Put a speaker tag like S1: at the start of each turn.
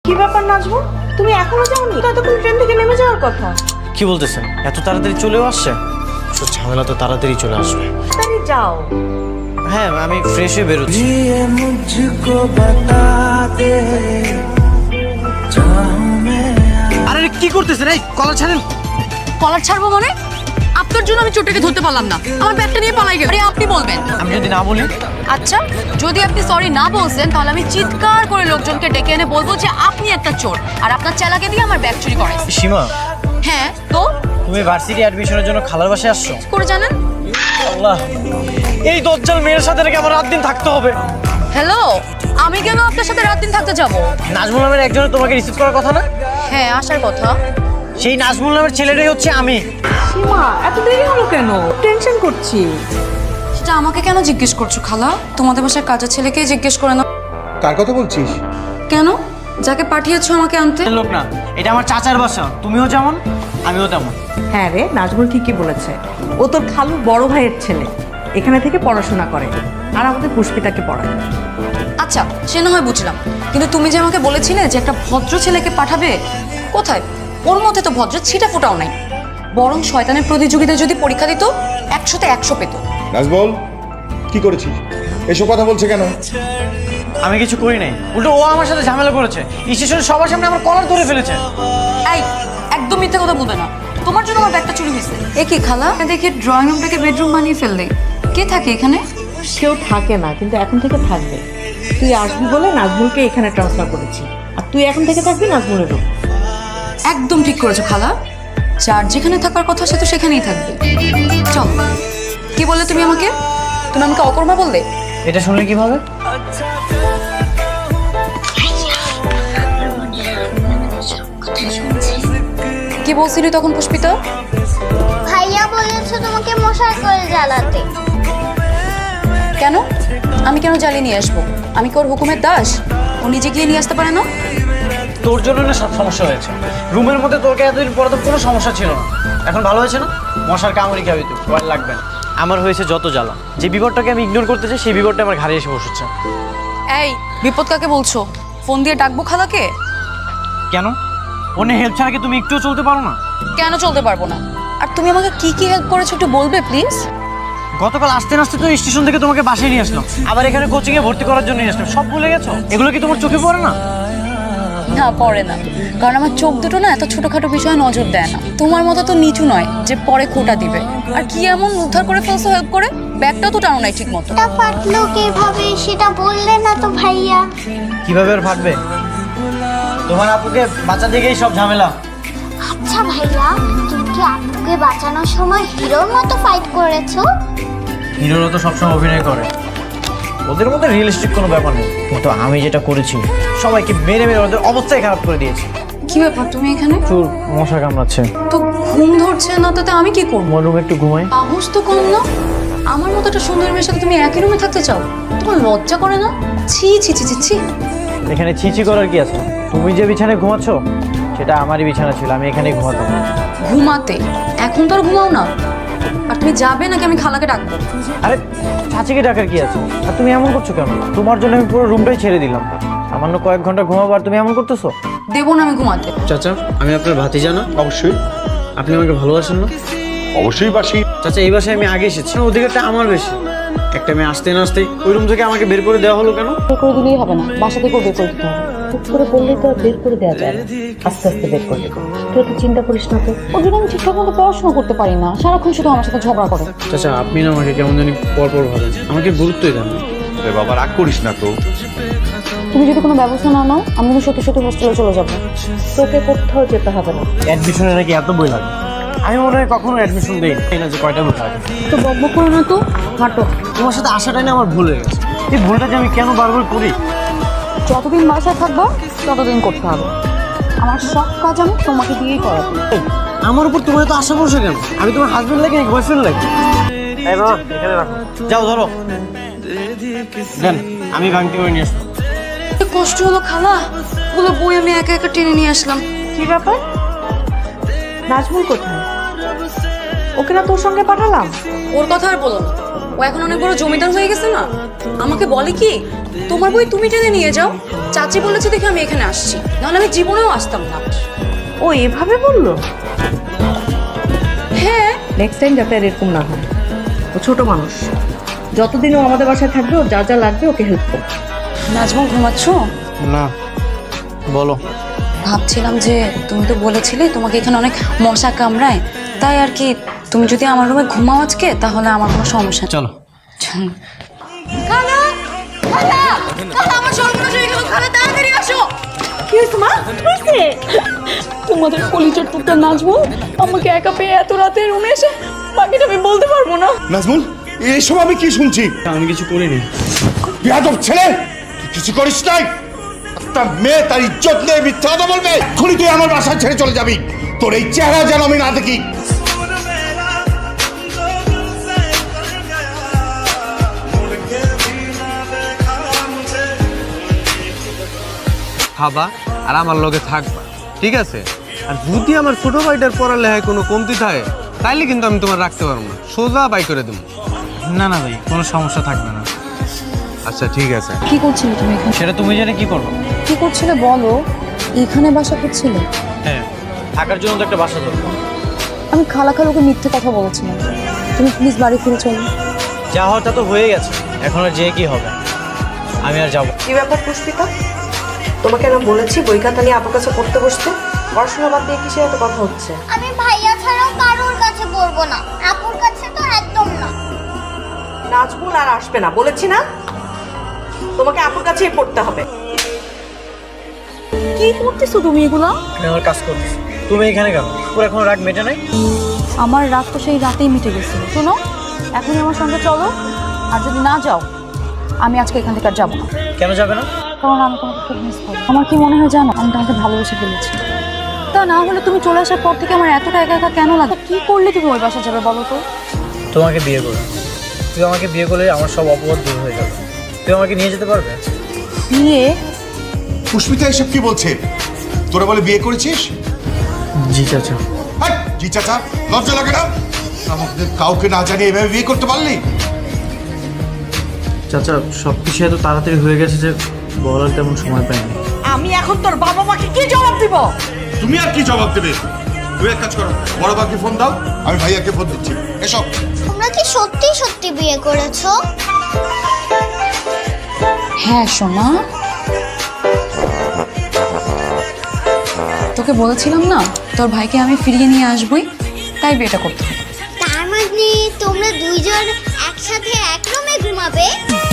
S1: কি ব্যাপার নাজমুল, তুমি এখনো যাওনি? ততক্ষণ ট্রেন থেকে নেমে যাওয়ার কথা।
S2: কি বলতেছেন, এত তাড়াতাড়ি চলেও আসছে? সব ঝামেলা তো তাড়াতাড়ি চলে আসবে।
S1: তাড়াতাড়ি যাও।
S2: হ্যাঁ, আমি ফ্রেশ হয়ে বেরোচ্ছি। আরে কি করতেছেন? এই কলার ছাড়েন।
S3: কলার ছাড়বো মানে? আপনার জন্য আমি চোরটাকে ধরতে পারলাম না, আমার ব্যাগটা নিয়ে পালাই গেল। আরে আপনি বলবেন।
S2: আমি যদি না বলি?
S3: আচ্ছা, যদি আপনি সরি না বলছেন তাহলে আমি চিৎকার করে লোকজনকে ডেকে এনে বলবো যে আপনি একটা চোর আর আপনার চেলাকে দিয়ে আমার ব্যাগ চুরি করেছে।
S2: সীমা,
S3: হ্যাঁ তো
S2: তুমি ভার্সিটি অ্যাডমিশনের জন্য খালার বাসায় আসছো?
S3: করে জানেন?
S2: আল্লাহ, এই দজ্জাল মেয়ের সাথে নাকি আমার রাত দিন থাকতে হবে।
S3: হ্যালো, আমি কেন আপনার সাথে রাত দিন থাকতে যাব?
S2: নাজমুল নামের একজনের তোমাকে রিসিভ করার কথা না?
S3: হ্যাঁ, আসার কথা।
S2: সেই নাজমুল নামের ছেলেটাই হচ্ছে আমি।
S1: সীমা, এত দেরি হলো কেন? টেনশন করছি।
S3: সেটা আমাকে কেন জিজ্ঞেস করছো খালা? তোমাদের বাসার কাজের ছেলেকেই জিজ্ঞেস করে না।
S4: কার কথা বলছিস?
S3: কেন? যাকে পাঠিয়েছো আমাকে আনতে?
S2: লোক না, এটা আমার চাচার বাসা। তুমিও যেমন আমিও তেমন।
S1: হ্যাঁ রে, নাজমুল ঠিকই বলেছে। ও তোর খালুর বড় ভাইয়ের ছেলে, এখানে থেকে পড়াশোনা করে আর আমাদের পুষ্পিতাকে পড়ায়।
S3: আচ্ছা, সে না হয় বুঝলাম, কিন্তু তুমি যে আমাকে বলেছিলে যে একটা ভদ্র ছেলেকে পাঠাবে, কোথায়? ওর মধ্যে তো ভদ্র ছিটা ফোটাও নাই। বরং শয়তানের প্রতিযোগিতায় যদি পরীক্ষা দিত 100তে 100 পেত।
S4: নাজমুল, কি করেছিস? এসব কথা বলছে কেন?
S2: আমি কিছু করি নাই, উল্টো ও আমার সাথে ঝামেলা করেছে। স্টেশনে সবার সামনে আমার কলার ধরে ফেলেছে।
S3: এই, একদম মিথ্যা কথা বলবে না। তোমার জন্য আমার ব্যাগটা চুরি হয়েছে। এ কি খালা, দেখি ড্রয়িং রুমটাকে বেডরুম বানিয়ে ফেললে। কে থাকে এখানে?
S1: কেউ থাকে না, কিন্তু এখন থেকে থাকবে। তুই আসবি বলে নাজমুলকে এখানে ট্রান্সফার করেছি, আর তুই এখন থেকে থাকবি নাজমুলের রুম।
S3: একদম ঠিক করেছো খালা, যার যেখানে থাকার কথা সে তো সেখানেই থাকবে। চল। কি বললে তুমি আমাকে? তুমি আমাকে অকর্মা বললে?
S2: এটা শুনলে কিভাবে?
S3: কি বলছিলি তখন পুষ্পিতা?
S5: ভাইয়া বলেছে তোমাকে মশার করে জ্বালাতে।
S3: কেন? আমি কেন জ্বালিয়ে নিয়ে আসবো? আমি কি ওর হুকুমের দাস? ও নিজে গিয়ে নিয়ে আসতে পারে না?
S2: তোর জন্য না সব সমস্যা হয়েছে। রুমের মধ্যে তোকে এতদিন পরে তো কোনো সমস্যা ছিল না, এখন ভালো হয়েছে না? মশার কামড়ি খাবি তুই, ভয় লাগবে না। আমার হয়েছে যত জ্বালা, যে বিপদটাকে আমি ইগনোর করতে চাই সেই বিপদটা আমার ঘাড়ে এসে বসেছে।
S3: এই, বিপদ কাকে বলছো? ফোন দিয়ে ডাকবো খালাকে?
S2: কেন? অন্য হেল্প ছাড়া কি তুমি একটুও চলতে পারো না?
S3: কেন চলতে পারবো না? আর তুমি আমাকে কি কি হেল্প করেছো একটু বলবে প্লিজ?
S2: গতকাল আসতে আসতে তো স্টেশন থেকে তোমাকে বাসায় নিয়ে আসলাম, আবার এখানে কোচিংয়ে ভর্তি করার জন্য নিয়ে আসলাম। সব ভুলে গেছো? এগুলো কি তোমার চোখে পড়ে না?
S3: না, পড়ে না, কারণ আমার চোখ দুটো না এত ছোটখাটো বিষয়ে নজর দেয় না। তোমার মতো তো নিচু নয় যে পরে খোঁটা দিবে। আর কি এমন উদ্ধার করে ফেলছো হেল্প করে? ব্যাগটাও তো টানো নাই ঠিক মতো।
S5: এটা ফাটলো কিভাবে সেটা বললে না তো ভাইয়া।
S2: কিভাবে আর ফাটবে? তোমার আপুকে বাঁচা দিকেই সব ঝামেলা।
S5: আচ্ছা ভাইয়া, তুমি কি আপুকে বাঁচানোর সময় হিরোর মতো ফাইট করেছো?
S2: হিরোরা তো সবসময় অভিনয় করে, ওদের মধ্যে রিয়েলিস্টিক কোনো ব্যাপার নেই। কিন্তু আমি যেটা করেছি, সবাইকে মেরে মেরে ওদের অবস্থাই খারাপ করে দিয়েছি।
S3: কি ব্যাপার তুমি এখানে?
S2: চোর মশা কামড়াচ্ছে।
S3: তো ঘুম ধরছে না, তাতে আমি কি করবো?
S2: আমার রুমে একটু ঘুমাই।
S3: সাহস তো কম না। আমার মতো একটা সুন্দর মেয়ের সাথে তুমি একই রুমে থাকতে চাও? তোমার লজ্জা করে না? ছি ছি ছি ছি ছি।
S2: এখানে ছিছি করার কি আছে? তুমি যে বিছানায় ঘুমাচ্ছ সেটা আমারই বিছানা ছিল, আমি এখানেই ঘুমাতাম।
S3: ঘুমাতে? এখন তো আর ঘুমাও না। আর তুমি যাবে নাকি আমি খালাকে ডাকবো?
S2: আরে চাচিকে ডাকার কি আছে? আর তুমি এমন করছো কেন? তোমার জন্য আমি পুরো রুমটাই ছেড়ে দিলাম, সামান্য কয়েক ঘন্টা ঘুমাবো আর তুমি এমন করতেছো?
S3: দেবো না আমি ঘুমাতে।
S2: চাচা, আমি আপনার ভাতিজা না?
S4: অবশ্যই।
S2: আপনি আমাকে ভালোবাসেন না?
S4: অবশ্যই বাসি।
S2: চাচা, এই বাসায় আমি আগে এসেছি, অধিকারটা আমার বেশি। একটা মেয়ে আসতে না আসতে ওই রুম থেকে আমাকে বের করে দেওয়া হলো কেন?
S1: বের করে দিলেই হবে না, বাসা থেকেও বের করে দিতে হবে। হুট করে বললেই তো আর বের করে দেওয়া যায় না, আস্তে আস্তে বের করে দেবো। তুই তো চিন্তা করিস না তো, ওর জন্য আমি ঠিকঠাক মতো পড়াশোনা করতে পারি না, সারাক্ষণ শুধু আমার সাথে ঝগড়া করে।
S2: চাচা, আপনি না আমাকে কেমন জানি পরপর ভাবেন, আমাকে গুরুত্বই দেন না।
S4: রে বাবা, রাগ করিস না তো।
S1: তুমি যদি কোনো ব্যবস্থা না নাও, আমি কিন্তু সত্যি সত্যি হোস্টেলে চলে যাবো। তোকে কোথাও যেতে হবে না।
S2: অ্যাডমিশনে নাকি এত বই লাগে? আমি মনে হয় কখনো অ্যাডমিশন দেই না যে কয়টা বই লাগে।
S1: তো বকবক করো না তো, হাঁটো।
S2: তোমার সাথে আসাটাই না আমার ভুল হয়ে গেছে। এই ভুলটা যে আমি কেন বারবার করি?
S1: যতদিন বাসায় থাকবো ততদিন করতে হবে। আমার সব কাজ আমি তোমাকে দিয়েই করাবো।
S2: এই, আমার উপর তোমার তো আশা ভরসা কেন? আমি তোমার হাজবেন্ড লাগে নাকি বয়ফ্রেন্ড লাগে? এই বাবা, এখানে রাখো। যাও ধরো, দেন আমি ভাঙতি করে নিয়ে আসলাম।
S3: কষ্ট হলো খালা, ওগুলো বই আমি একা একা টেনে নিয়ে আসলাম।
S1: কি ব্যাপার? নাজমুল কোথায়? ওকে না তোর সঙ্গে পাঠালাম?
S3: ওর কথা আর বলো না, ও এখন অনেক বড় জমিদার হয়ে গেছে না। আমাকে বলে কি তোমার বই তুমি টেনে নিয়ে যাও। চাচি বলেছে দেখে আমি এখানে আসছি, নাহলে আমি জীবনেও আসতাম না।
S6: ও এভাবে বললো?
S3: হ্যাঁ,
S6: নেক্সট টাইম যাতে আর এরকম না হয়। ও ছোট মানুষ, যতদিন ও আমাদের বাসায় থাকবে ওর যা যা লাগবে ওকে হেল্প করবে।
S3: নাজমুল ঘুমাচ্ছ?
S2: না, বলো।
S3: ভাবছিলাম যে তুমি তো বলেছিলে তোমাকে এখানে অনেক মশা কামড়ায়, তাই আর কি তুমি যদি আমার রুমে ঘুমাও আজকে তাহলে আমার কোনো সমস্যা নেই।
S2: চলো।
S3: খালা, খালা, খালা, আমার সর্বনাশ হয়ে গেল। খালা, তাড়াতাড়ি আসো।
S6: কি হয়েছে মা? হয়েছে?
S1: তোমাদের কলিজার টুকটা নাজমুল আমাকে একা পেয়ে এত রাতে রুমে এসে বাকিটা আমি বলতে পারবো না।
S4: নাজমুল, এসব আমি কি শুনছি?
S2: আমি কিছু করিনি।
S4: বেয়াদব ছেলে, তুই কিছু করিস নাই। একটা মেয়ে তার ইজ্জত নিয়ে মিথ্যা কথা বলবে? এক্ষুনি তুই আমার বাসা ছেড়ে চলে যাবি। তোর এই চেহারা যেন আমি না দেখি।
S7: খাবা আর আমার লগে থাকবা, ঠিক আছে? আর যদি আমার ছোট ভাইটার পড়ালেখায় কোনো কমতি থাকে তাইলে কিন্তু আমি তোমার রাখতে পারবো না, সোজা বাই করে দেবো।
S2: না না ভাই, কোনো সমস্যা থাকবে না।
S7: আচ্ছা ঠিক আছে।
S1: কি করছিলে তুমি এখানে?
S2: সেটা তুমি জেনে কি করবো?
S1: কি করছিলে বলো? এখানে বাসা করছিলে?
S2: হ্যাঁ, থাকার জন্য তো একটা বাসা দরকার।
S1: আমি খালাকে মিথ্যে কথা বলেছিলাম। তুমি প্লিজ বাড়ি ফিরে চলো।
S2: যা হওয়ার তা তো হয়ে গেছে, এখন আর যেয়ে কি হবে? আমি আর যাবো।
S6: কি ব্যাপার পুষ্পিতা? তোমাকে না বলেছি বই খাতা নিয়ে আপুর কাছে পড়তে বসতে? পড়াশোনা বাদ দিয়ে কিসের এত কথা হচ্ছে?
S5: আমি ভাইয়া ছাড়াও কারোর কাছে পড়বো না, আপুর কাছে তো একদম না।
S6: নাজমুল আর আসবে না বলেছি না? তোমাকে আপুর কাছেই পড়তে হবে।
S1: কি করতেছো তুমি এগুলা?
S2: আমি আমার কাজ করছি, তুমি এখানে কেন? পুরো এখন রাগ মেটে নাই?
S1: আমার রাগ তো সেই রাতেই মিটে গেছিল। শোনো, এখনই আমার সঙ্গে চলো, আর যদি না যাও আমি আজকে এখান থেকে আর যাবো না।
S2: কেন যাবে না?
S1: কারণ আমি তোমাকে খুব মিস করি। আমার কি মনে হয় জানো, আমি তোমাকে ভালোবেসে ফেলেছি। তা না হলে তুমি চলে আসার পর থেকে আমার এতটা একা একা কেন লাগে? কি করলে তুমি ওই বাসা যাবে বলো তো?
S2: তোমাকে বিয়ে করবে। তুই আমাকে বিয়ে করলে আমার সব অপবাদ দূর হয়ে যাবে। তুই আমাকে নিয়ে যেতে পারবে?
S1: বিয়ে?
S4: পুষ্পিতা এসব কি বলছে? তোরা বলে বিয়ে করেছিস?
S2: জি চাচা।
S4: হাট, জি চাচা, লজ্জা লাগে না? আমাদের কাউকে না জানিয়ে এভাবে বিয়ে করতে পারলি?
S2: চাচা, সব কিছু এত তাড়াতাড়ি হয়ে গেছে যে বলার তেমন সময় পাইনি।
S6: আমি এখন তোর বাবা মাকে কি জবাব দিব?
S4: তুমি আর কি জবাব দেবে? তুই এক কাজ করো, বড় বাবাকে ফোন দাও, আমি ভাইয়াকে ফোন দিচ্ছি। এসব
S5: তোমরা কি সত্যি সত্যি বিয়ে করেছো?
S3: হ্যাঁ সোনা, তোকে বলেছিলাম না তোর ভাইকে আমি ফিরিয়ে নিয়ে আসবই, তাই বিয়েটা করতে হবে।
S5: তার মানে তোমরা দুইজন একসাথে এক রুমে ঘুমাবে?